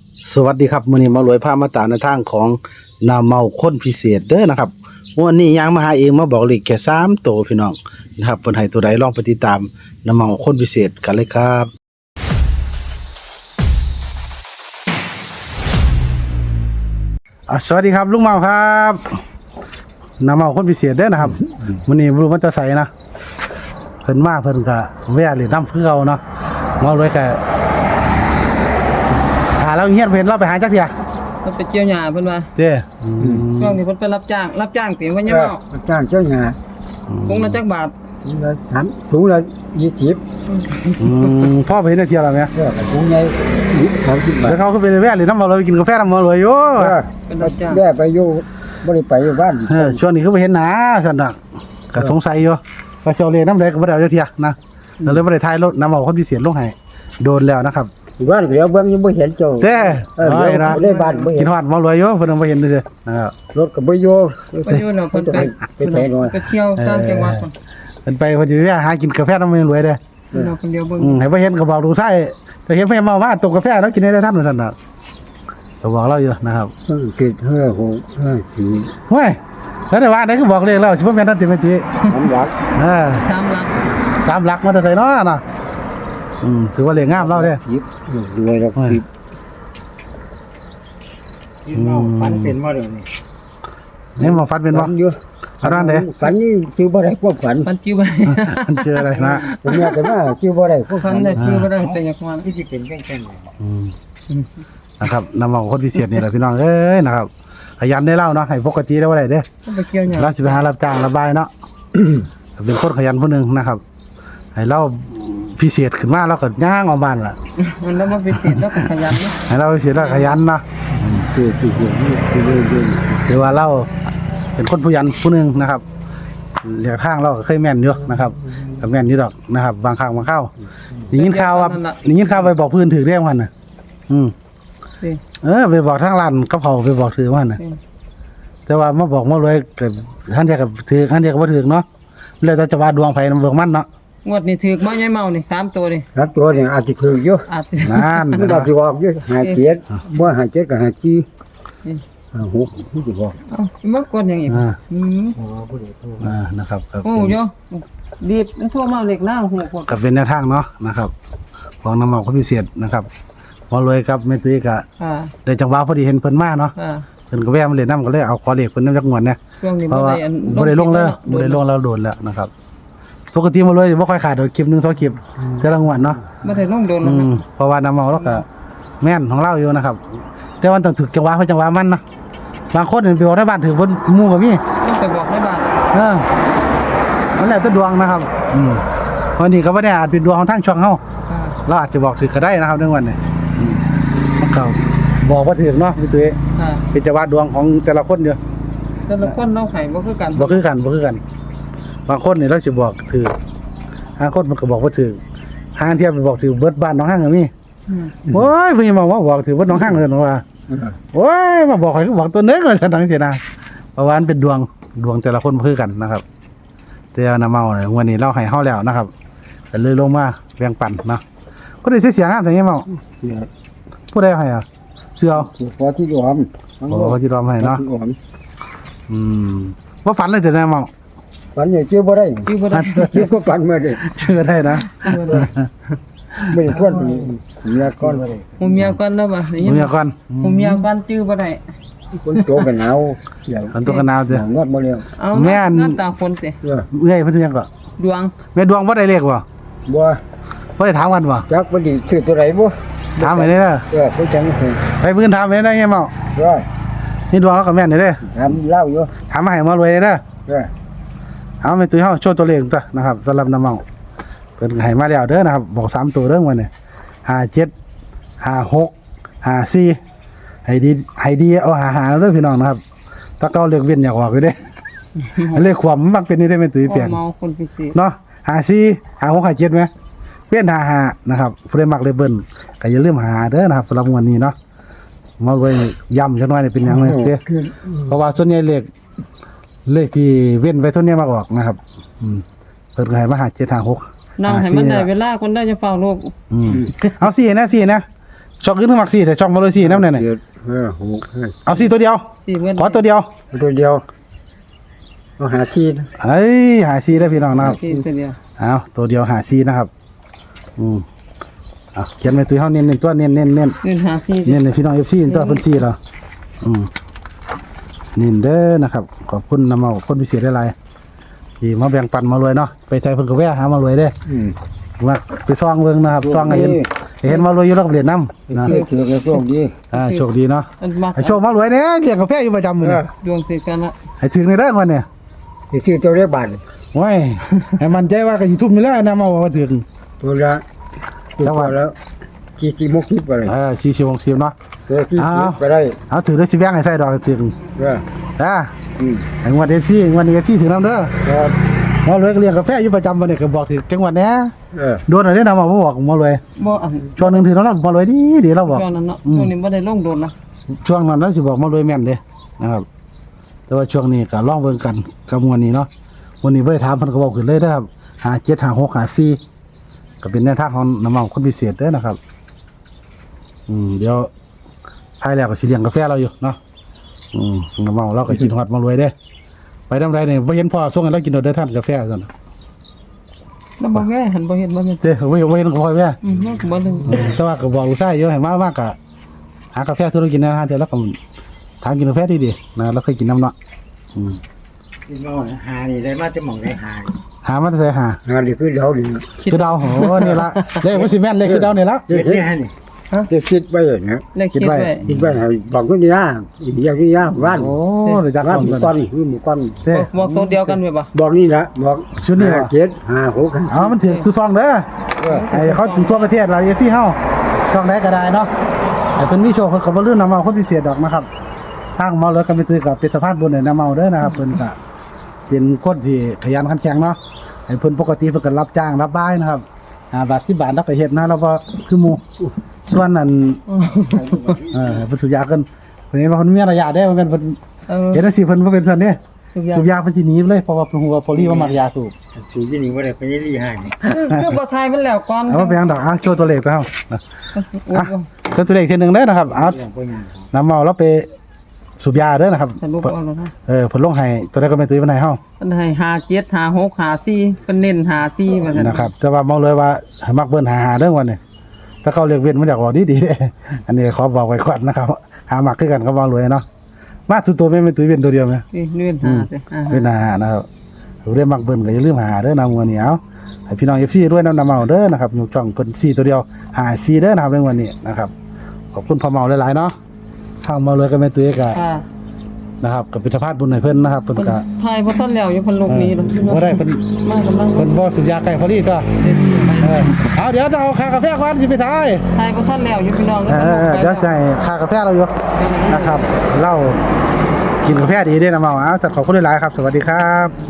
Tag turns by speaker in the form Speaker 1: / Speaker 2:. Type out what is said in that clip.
Speaker 1: สวัสดีครับมื้อนี้มารวยพามาตามในทางของนาเมาคนพิเศษเด้อนะครับวันนี้ยังมาหาเองมาบอกเลขแค่3ตัวพี่น้องนะครับเพิ่นให้ตัวใดลองไปติดตามนาเมาคนพิเศษกันเลยครับสวัสดีครับลุงเมาครับนาเมาคนพิเศษเด้อนะครับมื้อนี้บ่รู้มันจะใส่นะเพิ่นมาเพิ่นก็แวะเล่นน้ำคือเก่าเนาะมารวยก็เราเฮียนเพิ่นเราไปหาจักเที่ย
Speaker 2: เพิ่นไปเกี่ยวหญ้าเพิ่นว่า
Speaker 1: เด้
Speaker 2: ช่วงนี้เพิ่นไปรับจ้างติว่ายังเมา
Speaker 3: รับจ้างเจ้าหญ้า
Speaker 2: คงละจักบาท
Speaker 3: ละสูงละ20
Speaker 1: พ่อไปเห็นเที่ยวแล้วแม่
Speaker 3: สูงใหญ่30 บาท
Speaker 1: แล้วเขาก็ไปแวะเลยน้ำมาเราไปกินกาแฟน้ำมาเลยโย่
Speaker 2: เป็นรับจ้าง
Speaker 3: แว่ไปอยู่บ่ได้ไปอยู่บ้าน
Speaker 1: ช่วงนี้คือไปเห็นหนาซั่นน่ะก็สงสัยอยู่ว่าเซาเลน้ำใดก็บ่ได้เอาจักเที่ยนะแล้วเลยบ่ได้ถ่ายรถน้ำเอาคนพิเศษลงให้โดนแล้วนะครับ
Speaker 3: บ้านเดี๋ยวเบิ่งยังบ่เห็นเจ้า
Speaker 1: เด้
Speaker 3: ได้บ้านบ่เห็น
Speaker 1: กินฮอดมารวยอยู่เพิ่นบ่เห็นซื่อนะครับ
Speaker 3: รถก็บ่อยู่
Speaker 2: ไปอยู่เนาะเพิ่นไปเที่ยวตามจังหวัด
Speaker 1: เพิ่นไปเพิ่นสิหากินกาแฟน้ำมันรวยเด้
Speaker 2: เนาะคนเดียวเบิ่ง
Speaker 1: ให้บ่เห็นก็บอกดูใส่แต่เห็นเพิ่นมาตกกาแฟแล้วกินได้ท่านซั่นน่ะก็บอกเราอยู่นะครับ
Speaker 3: เกิดที
Speaker 1: เฮ้ยแล้วแต่ว่าได้ก็บอกเลขแล้วสิบ่แม่นนั่นติแม่ติ
Speaker 3: 3หลัก
Speaker 2: 3หลัก
Speaker 1: 3หลักมาแต่ไสเนาะน่ะถือว่าเลขงามเราเด้
Speaker 3: 10รวยแล้ว10ฝันเป็นบ่เดี๋ยวนี้
Speaker 1: นี่มาฟันเป็นบ่อันนั้นเด้
Speaker 3: ฝันนี่ชื่อบ่ได้ความฝัน
Speaker 2: จิ้วบ่ได้
Speaker 1: มันเจออะไรนะ
Speaker 3: ผมอยากจะมาชื่อบ่ได้ความ
Speaker 2: ฝันได้จิ้วบ่ได้แต่อยากมา
Speaker 3: ที่สิเป็นแค่
Speaker 1: นะครับนำมาคนพิเศษนี่แหละพี่น้องเอ้ยนะครับขยันได้เล่าเนาะให้ปกติได้บ่ได้เด้
Speaker 2: ไปเกี่ยวหญ้า
Speaker 1: เราสิไปหารับจ้างระบายเนาะเป็นคนขยันผู้นึงนะครับให้เราพิเศษขึ้นมาเราก็ย่างออกบ้านล่ะ
Speaker 2: มันแล้วมาพิเศษแล้วก็ขยันเนาะ
Speaker 1: ให้เราพิเศษแล้วขยันเนาะ
Speaker 3: คือ
Speaker 1: ถือว่าเราเป็นคนผู้ยันผู้นึงนะครับเรียกทางเราก็เคยแม่นอยู่นะครับก็แม่นอยู่ดอกนะครับบางครั้งบางคราวได้ยินข่าวว่าไปบอกพื้นถือเรื่องมันน่ะไปบอกทางร้านกับเขาไปบอกถือมันน่ะแต่ว่ามาบอกมารวยเกิดท่านเดียวกับถือท่านเดียวกับบ่ถือเนาะเลยแต่จะว่าดวงไผนำเบิ่งมันเนาะ
Speaker 2: งวดนี้ถูกบ่ยายเมานี่3ตัวนี่
Speaker 3: 3ตัวนี่อาจสิถูกอยู่
Speaker 1: นั่น
Speaker 3: มันอาจสิออกอยู่57บ่57ก็57 56ที่สิบอก
Speaker 2: มันกดอย่างอีก
Speaker 1: นะครับ
Speaker 2: โอ้ยดีมันโทรมาเลขหน้าหูพวก
Speaker 1: ก็เป็นแนวทางเนาะนะครับของน้ำมันคนพิเศษนะครับพอรวยครับแม่ตุ้ยก็ได้จังหวะพอดีเห็นเพิ่นมาเนาะเพิ่นก็แวะมาเล่นน้ำก็เลยเอาขอเลขเพิ่นนำจักงวดเนี่ยเพราะว่าบ่ได้ลงแล้วโดนแล้วนะครับปกติมารวยบ่ค่อยขาดคลิป1 2คลิปแต่ละงวดเนาะ
Speaker 2: บ่ได้ลงโดน
Speaker 1: เพราะว่าน้ำเมาแล้วก็แม่นของเราอยู่นะครับแต่ว่าต้องถึกจังหวะเพิ่นจังหวะมันนะบางคนไปบอกในบ้านถือเพิ่นหมู่ก็มี
Speaker 2: ไปบอกในบ้าน
Speaker 1: นั่นแหละแต่ดวงนะครับวันนี้ก็บ่ได้อาจเป็นดวงของทางช่องเฮาเราอาจจะบอกถือก็ได้นะครับในวันนี้มันก็บอกว่าถือเนาะพี่ตุ้ยเป็นจังหวะดวงของแต่ละคนเด้อ
Speaker 2: แต่ละคนเราให้บ่คือกัน
Speaker 1: บางคนนี่เราสิบอกถือหาคนมันก็บอกว่าถือหาเทียบไปบอกถือเบิดบ้านน้องห้างก็มีโอ้ยเพิ่นมาว่าบอกถือเบิดน้องห้างเลยว่าโอ้ยมาบอกให้บอกตัวนึงก็จังซี่นะเพราะว่ามันเป็นดวงแต่ละคนบ่คือกันนะครับแต่น้าเมาเนี่ยวันนี้เราให้เฮาแล้วนะครับก็เลยลงมาแบ่งปันเนาะก็ได้เสียงามจังไงเมาผู้ใดให้อ่ะเสื้อ
Speaker 3: พอที่รวม
Speaker 1: พอที่รวมให้เนาะว่าฝันเลยแต่น้าเมา
Speaker 3: ฝันอย่างชื่อบ่ได้ชื่อก็ฝันมาดิ
Speaker 1: ชื่อได้นะ
Speaker 3: ไม่ควรเมียก่อน
Speaker 2: เมียก่อนแล้วบ่
Speaker 1: เมียก่อน
Speaker 2: ชื่อบ่ได้
Speaker 3: คนโตกันหนาว
Speaker 1: คนโตกันหนาวจ้ะ
Speaker 3: งอดบ่แล้ว
Speaker 1: แม่น
Speaker 2: ตาคนสิ
Speaker 1: เอ้ยเพิ่นยังก็
Speaker 2: ดวง
Speaker 1: แม่ดวงบ่ได้เลขบ่บ่ได้ถามกันบ่
Speaker 3: จักบ่ได้ซื้อตัวใดบ่
Speaker 1: ถามไปเด้อ
Speaker 3: เพิ่นจัง
Speaker 1: ไปเพิ่นถามไปได้ไงเมานี่ดวงแล้วก็แม่นเด้อ
Speaker 3: ถามเล่าอยู่
Speaker 1: ถามมาให้มารวยเด้อเอาแม่ตุ้ยเฮาโชว์ตัวเลขตัวนะครับสำหรับน้าเมาเพิ่นให้มาแล้วเด้อนะครับบอก3ตัวเด้อวันนี้57 56 54ให้ดีเอาหาเด้อพี่น้องนะครับถ้าเก่าเลขเว้นอยากออกอยู่เด้เลขความมันมักเป็นนี่ได้แม่ตุ้ยเปลี่ยน
Speaker 2: เมาคนพิเศษ
Speaker 1: เนาะ54 56 57มั้ยเปลี่ยน55นะครับผู้ใดมักเลขเบิ้นก็อย่าลืมหาเด้อนะครับสำหรับวันนี้เนาะมาไว้ย้ำจังหน่อยนี่เป็นหยังเด้เพราะว่าส่วนใหญ่เลขที่เว้นไว้ส่วนใหญ่มักออกนะครับเพิ่นก็ให้มา57 56
Speaker 2: นั่งให้มันได้เวลาคนได้จะเฝ้าโลก
Speaker 1: เอา4นะช่องอื่นมัก4แต่ช่องมาเลย4นำแน่น่ะ
Speaker 3: เจ็ดหก
Speaker 1: เอา4ตัวเดียว
Speaker 2: สี่เมื่อ
Speaker 1: ขอตัวเดียว
Speaker 3: ตัวเดียวเอาหาที่
Speaker 1: เอ้ยหา4ได้พี่น้องนะครับ
Speaker 2: สี่ตัวเดียว
Speaker 1: เอาตัวเดียวหา4นะครับเอาเขียนไว้ตัวเฮาเน้นๆตัวเน้น
Speaker 2: เงินหาสี่
Speaker 1: เน้นให้พี่น้อง FC ตัวเพิ่น4แล้วเน้นเด้อนะครับขอบคุณนำเอาคนพิเศษหลายๆที่มาแบ่งปันมารวยเนาะไปใจเพิ่นก็แวะหามารวยเด้ มาไปซ่องเบิ่งนะครับซ่องให้เห็นมารวยอยู่แล้วก็เรียนนำนะ
Speaker 3: เชื่อถือกันโชคดี
Speaker 1: โชคดีเนาะ
Speaker 2: อันมัก
Speaker 1: ให้โชคมารวยแน่เลี้ยงกาแฟอยู่ประจำมื้อนี้
Speaker 2: ดวงติดกันละ
Speaker 1: ให้ถึงในเด้อวันนี้
Speaker 3: ไปซื้อตัวเลขบาท
Speaker 1: โอ้ยให้มันใจว่าก็สิทุ่มอยู่แล้วนะมาว่าถึง
Speaker 3: ตัวละตัวแล้ว40-60ไปเลย
Speaker 1: 40 60เนาะ
Speaker 3: ตัว40ก็ได้
Speaker 1: เอาถือได้สิแบ่งให้ใส่ดอกถึง
Speaker 3: เออ
Speaker 1: ให้งวดเอซี่งวดนี้เอซี่ถึงนำเด้อ
Speaker 3: ครับ
Speaker 1: มารวยก็เลี้ยงกาแฟอยู่ประจำวันนี้ก็บอกถึงจังหวัดแหน่ โดนอะไรนำมาบ่บอกมารวย
Speaker 2: บ่อัน
Speaker 1: ช่วงนึงถึงแล้วมารวยดีเราบอก
Speaker 2: ช่วงนั้นเนาะช่วงนี้บ่ได้ลงโดนนะ
Speaker 1: ช่วงนั้นเราสิบอกมารวยแม่นเด้นะครับ แต่ว่าช่วงนี้ก็ลองเบิ่งกันกับมวลนี้เนาะวันนี้บ่ได้ถามเพิ่นก็บอกขึ้นเลยเด้อครับ57 56 54ก็เป็นแนวทางของน้ำมันคนพิเศษเด้อนะครับ เดี๋ยวภายแล้วก็สิเลี้ยงกาแฟเราอยู่เนาะน้ำมันเราก็กินฮอดมารวยเด้ไปทำไรเนี่ยบ่เห็นพ่อส่งให้เรากินเด้อท่านกาแฟซั่น
Speaker 2: แล้วบ่แม่หันบ่เห็นบ่เห็น
Speaker 1: เด้บ่เห็นก็พ่อแม่
Speaker 2: มันก็บ่ถึง
Speaker 1: แต่ว่าก็บอกลูกชายอยู่ให้มามากก็หากาแฟซื้อกินนะฮะเดี๋ยวเราก็ถามกินกาแฟดีๆนะเราเคยกินน้ำเนาะ
Speaker 3: พี่น้องหานี่ได้มาจะหม่องได้หา
Speaker 1: หามาใส่หา
Speaker 3: นี่คือเดาดิ
Speaker 1: คือเดาโหนี่ละเลขมันสิแม่นเลขคือเดานี่ละ
Speaker 3: เจ็ดนี่ฮะนี่จะคิดไว้นะ
Speaker 2: เลขคิดไว้
Speaker 3: คิดไว้ให้บอกคนที่ย่าอย่างที่ย่าบ้าน
Speaker 1: โอ้เดี๋ยวจัก
Speaker 3: บ้าน
Speaker 1: ก่อน
Speaker 3: หมู่
Speaker 1: ก่
Speaker 3: ก้
Speaker 1: อ
Speaker 3: อน นคือหมู่ก้อน
Speaker 1: เด้
Speaker 2: บอกตัวเดียวกันไหมบ่
Speaker 3: บอกนี่ละบอก
Speaker 1: ชุดนี้ว่ะ
Speaker 3: เจ็ดห้าหก
Speaker 1: เอามันถึงสุซองเด้อไอ้เขาอยู่ทั่วประเทศเราเอซี่เฮาช่องไหนก็ได้เนาะไอ้เพิ่นมีโชคเพิ่นก็บ่ลืมนำเอาคนพิเศษดอกนะครับทางเมาเลยก็ไปตื้อกับเป็นสะพานบุญให้นำเอาเด้อนะครับเพิ่นก็เป็นคนที่ขยันขันแข็งเนาะไอ้เพิ่นปกติเพิ่นก็รับจ้างรับบ้ายนะครับ5 บาท10 บาทแล้วก็เฮ็ดนะเราบ่คือหมู่ส่วนนั้นเพิ่นสุยาเกินเพิ่นเห็นว่าเพิ่นมีระยะได้เพิ่นเห็นจังซี่เพิ่นบ่เป็นซั่นเด้สูบยาเพิ่นสิหนีเลยเพราะว่าเพิ่นฮู้ว่าพอลี่ว่ามักยาสูบ
Speaker 3: สูที่นี่ว่าได้ไปยี่ห้านี่
Speaker 2: คือบ่ทายมันแล้วก่อน
Speaker 1: เอาไปยังดอกโชว์ตัวเลขไปเฮาโชว์ตัวเลขทีนึงเด้อนะครับเอาน้ำเมาแล้วไปสูบยาเด้อนะครับ
Speaker 2: สรุปเอาแล้วนะ
Speaker 1: เพิ่นลงให้ตัวใดก็ไม่ตื้อปานใดเฮา
Speaker 2: เพิ่นให้57 56 54เพิ่นเน้น54ว่าซั่น
Speaker 1: นะครับแต่ว่าเมาเลยว่าให้มักเบิ่นหาเด้อวันนี้ถ้าเขาเรียกเว้นมันอยากบอกดีๆเด้อันนี้ขอบอกไว้ก่อนนะครับหามักคือกันก็เมารวยเนาะมาสุดตัวแม่ตุ้ยเว้นตัวเดียวแม่
Speaker 2: นี่เน้นหาสิ
Speaker 1: เว้นหานะครับเรื่องมักเบิ่นก็อย่าลืมหาเด้อนำวันนี้เอาให้พี่น้อง FC ด้วยนำเมาเด้อนะครับอยู่ช่องเพิ่น4ตัวเดียวหา4เด้อนะครับในวันนี้นะครับขอบคุณพ่อเมาหลายๆเนาะทางเมาเลยก็แม่ตุ้ยก็
Speaker 2: ค่ะ
Speaker 1: นะครับก็เป็นสภาพบุญให้เพิ่นนะครับเพิ่น
Speaker 2: เพิ่น
Speaker 1: ก็
Speaker 2: ทายบ่ทันแล้วอยู่เพิ่นลงนี้แล้ว
Speaker 1: บ่ได้เพิ่น
Speaker 2: มากำลัง
Speaker 1: เพิ่นบ่สุดยาไก่พอดีก็เอาเดี๋ยวจะเอาค่ากาแฟก่อนสิไปทาย
Speaker 2: ทายบ่ทันแล้วอยู่พี่น้อง
Speaker 1: เดี๋ยวใส่ค่ากาแฟเราอยู่นะครับเรากินกาแฟดีเด้อนะเมาเอาจัดขอบคุณหลายๆครับสวัสดีครับ